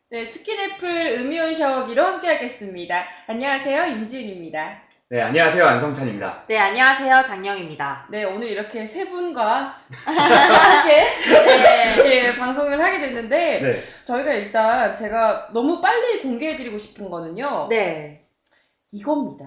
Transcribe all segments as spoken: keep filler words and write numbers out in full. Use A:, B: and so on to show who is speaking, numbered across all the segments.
A: 네, 스킨애플 음이온 샤워기로 함께 하겠습니다. 안녕하세요, 임지은입니다.
B: 네, 안녕하세요. 안성찬입니다.
C: 네, 안녕하세요. 장영입니다.
A: 네, 오늘 이렇게 세 분과 함께
C: 네.
A: 예, 방송을 하게 됐는데
B: 네.
A: 저희가 일단 제가 너무 빨리 공개해드리고 싶은 거는요.
C: 네.
A: 이겁니다.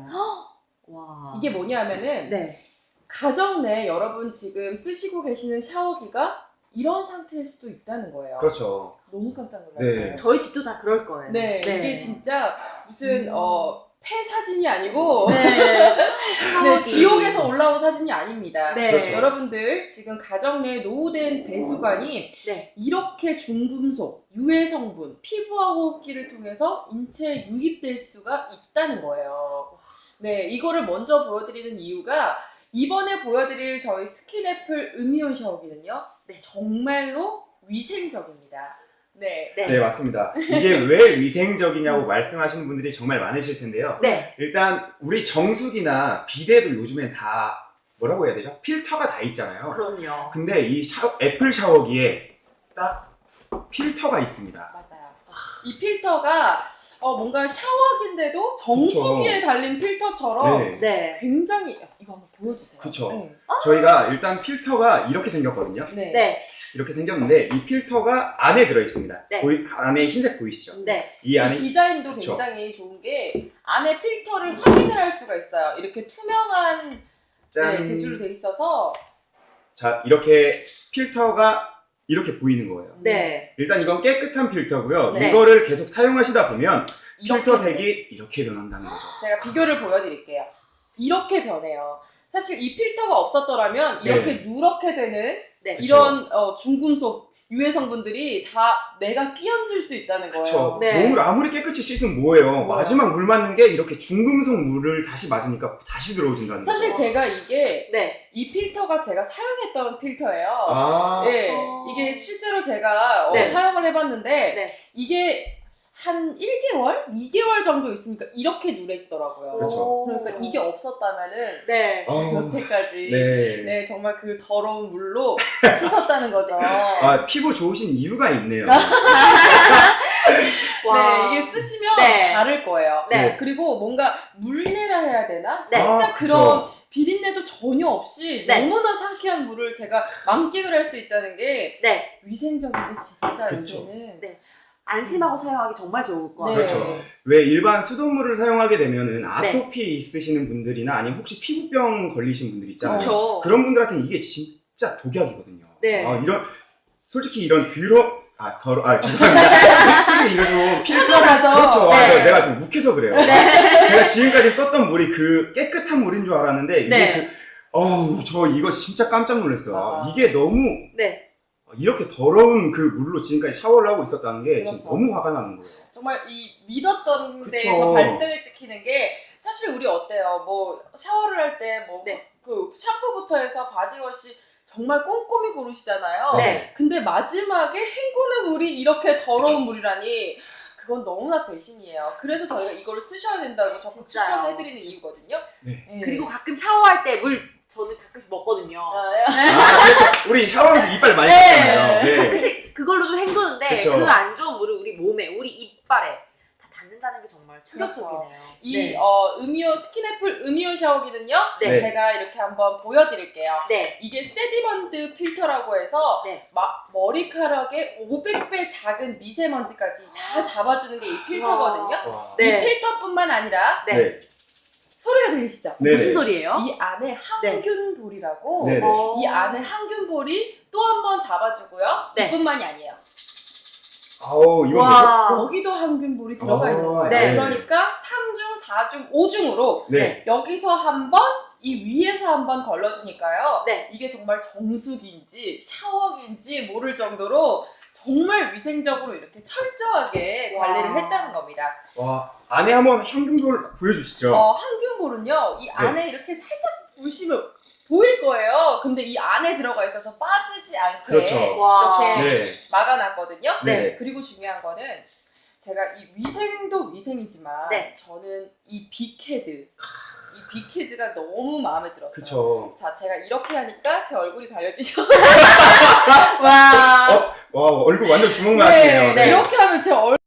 C: 와.
A: 이게 뭐냐면은
C: 네.
A: 가정 내 여러분 지금 쓰시고 계시는 샤워기가 이런 상태일 수도 있다는 거예요.
B: 그렇죠.
A: 너무 깜짝 놀랐어요.
B: 네.
C: 저희 집도 다 그럴 거예요.
A: 네, 이게 진짜 무슨
C: 음.
A: 어, 폐 사진이 아니고
C: 네.
A: 네, 지옥에서 올라온 사진이 아닙니다.
C: 네.
B: 그렇죠.
A: 여러분들 지금 가정 내 노후된 배수관이
C: 네.
A: 이렇게 중금속, 유해 성분, 피부와 호흡기를 통해서 인체에 유입될 수가 있다는 거예요. 네, 이거를 먼저 보여드리는 이유가 이번에 보여드릴 저희 스킨애플 음이온 샤워기는요,
C: 네.
A: 정말로 위생적입니다. 네.
C: 네.
B: 네, 맞습니다. 이게 왜 위생적이냐고 말씀하시는 분들이 정말 많으실 텐데요.
C: 네.
B: 일단 우리 정수기나 비데도 요즘엔 다 뭐라고 해야 되죠? 필터가 다 있잖아요.
C: 그럼요.
B: 근데 이 샤워, 애플 샤워기에 딱 필터가 있습니다.
A: 맞아요. 이 필터가 어, 뭔가 샤워기인데도 정수기에
B: 그쵸.
A: 달린 필터처럼
B: 네.
C: 네.
A: 굉장히 이거 한번 보여주세요.
B: 그쵸.
A: 네.
B: 저희가 일단 필터가 이렇게 생겼거든요.
A: 네.
C: 네.
B: 이렇게 생겼는데 이 필터가 안에 들어 있습니다.
C: 네.
B: 보이, 안에 흰색 보이시죠?
C: 네.
B: 이 안에
A: 이 디자인도
B: 그쵸.
A: 굉장히 좋은 게 안에 필터를 확인을 할 수가 있어요. 이렇게 투명한
B: 짠.
A: 네, 재질로 돼 있어서
B: 자, 이렇게 필터가 이렇게 보이는 거예요.
C: 네.
B: 일단 이건 깨끗한 필터고요.
C: 네.
B: 이거를 계속 사용하시다 보면
A: 이렇게
B: 필터 색이 이렇게 변한다는 거죠.
A: 제가 비교를 보여드릴게요. 이렇게 변해요. 사실 이 필터가 없었더라면 이렇게
B: 네.
A: 누렇게 되는
C: 네.
B: 그쵸.
A: 이런 어, 중금속 유해 성분들이 다 내가 끼얹을 수 있다는 거예요.
B: 그쵸.
C: 네.
B: 몸을 아무리 깨끗이 씻으면 뭐예요?
A: 뭐야?
B: 마지막 물 맞는 게 이렇게 중금속 물을 다시 맞으니까 다시 들어오진다는 거죠.
A: 사실 제가 이게
C: 네.
A: 이 필터가 제가 사용했던 필터예요.
B: 아,
A: 네,
C: 어.
A: 이게 실제로 제가 어,
C: 네.
A: 사용을 해봤는데
C: 네.
A: 이게 한 일 개월, 이 개월 정도 있으니까 이렇게 누래지더라고요.
B: 그렇죠.
C: 오.
A: 그러니까 이게 없었다면은
C: 네.
B: 아,
A: 여태까지
B: 네.
A: 네, 정말 그 더러운 물로 씻었다는 거죠.
B: 아, 피부 좋으신 이유가 있네요.
C: 와.
A: 네, 이게 쓰시면
C: 네.
A: 다를 거예요.
C: 네.
A: 그리고 뭔가 물내라 해야 되나?
C: 네.
A: 살짝
B: 아,
A: 그런
B: 그쵸.
A: 비린내도 전혀 없이
C: 네.
A: 너무나 상쾌한 물을 제가 만끽을 할 수 있다는 게
C: 네.
A: 위생적인 게 진짜
B: 그쵸.
A: 요새는
C: 네. 안심하고 사용하기 정말 좋을 것
A: 네.
C: 같아요.
B: 그렇죠. 왜 일반 수돗물을 사용하게 되면은
C: 네.
B: 아토피 있으시는 분들이나 아니면 혹시 피부병 걸리신 분들 있잖아요.
C: 그렇죠.
B: 그런 분들한테는 이게 진짜 독약이거든요.
C: 네.
B: 아, 이런 솔직히 이런 더러 아 더러 아 죄송합니다. 솔직히 이거 좀 필터
A: 하죠.
B: 그렇죠. 아,
C: 네.
B: 저- 내가 좀 욱해서 그래요.
C: 네.
B: 제가 지금까지 썼던 물이 그 깨끗한 물인 줄 알았는데 이게
C: 네.
B: 그 어우 저 이거 진짜 깜짝 놀랐어요.
A: 맞아.
B: 이게 너무
C: 네.
B: 이렇게 더러운 그 물로 지금까지 샤워를 하고 있었다는 게 지금
A: 그렇죠.
B: 너무 화가 나는 거예요.
A: 정말 이 믿었던
B: 그쵸.
A: 데에서 발등을 찍히는 게 사실 우리 어때요? 뭐 샤워를 할 때 뭐
C: 네.
A: 그 샴푸부터 해서 바디워시 정말 꼼꼼히 고르시잖아요.
C: 네.
A: 근데 마지막에 헹구는 물이 이렇게 더러운 물이라니 그건 너무나 배신이에요. 그래서 저희가 이거를 쓰셔야 된다고 적극
C: 진짜요.
A: 추천해드리는 이유거든요.
B: 네.
A: 네.
C: 그리고 가끔 샤워할 때 물 저는 가끔씩 먹거든요.
A: 아,
B: 아, 그렇죠. 우리 샤워하면서 이빨 많이
C: 네.
B: 닦잖아요. 네.
C: 가끔씩 그걸로도 헹구는데
B: 그쵸.
C: 그 안 좋은 물을 우리 몸에, 우리 이빨에 다 닿는다는 게 정말 충격적이네요.
A: 이
C: 네.
A: 어, 음이온 스킨애플 음이온 샤워기는요.
C: 네.
A: 제가 이렇게 한번 보여드릴게요.
C: 네.
A: 이게 세디먼드 필터라고 해서
C: 네.
A: 막 머리카락의 오백 배 작은 미세먼지까지 다 잡아주는 게 이 필터거든요.
B: 와.
C: 네.
A: 이 필터뿐만 아니라
C: 네.
B: 네.
A: 소리가 들리시죠?
B: 네네.
C: 무슨 소리예요?
A: 이 안에 항균볼이라고
B: 네네.
C: 어.
A: 이 안에 항균볼이 또 한 번 잡아주고요.
C: 네.
A: 이뿐만이 아니에요.
B: 아우 이건 뭐죠?
C: 와.
A: 여기도 항균볼이 들어가
B: 아,
A: 있는 거예요.
C: 네.
A: 그러니까 삼 중, 사 중, 오 중으로
B: 네.
A: 여기서 한 번, 이 위에서 한 번 걸러주니까요.
C: 네.
A: 이게 정말 정수기인지 샤워기인지 모를 정도로 정말 위생적으로 이렇게 철저하게
C: 와.
A: 관리를 했다는 겁니다.
B: 와 안에 한번 향균돌 보여주시죠.
A: 어, 항균볼은요, 이 안에 이렇게 살짝 보시면 보일 거예요. 근데 이 안에 들어가 있어서 빠지지 않게
B: 그렇죠.
C: 와.
A: 이렇게
B: 네.
A: 막아놨거든요.
B: 네.
A: 그리고 중요한 거는 제가 이 위생도 위생이지만
C: 네.
A: 저는 이 빅헤드, 이 빅헤드가 너무 마음에 들었어요.
B: 그쵸.
A: 자, 제가 이렇게 하니까 제 얼굴이 가려지죠.
C: 와.
B: 와 얼굴 완전 주먹만 하시네요.
A: 네, 이렇게 하면 제 얼굴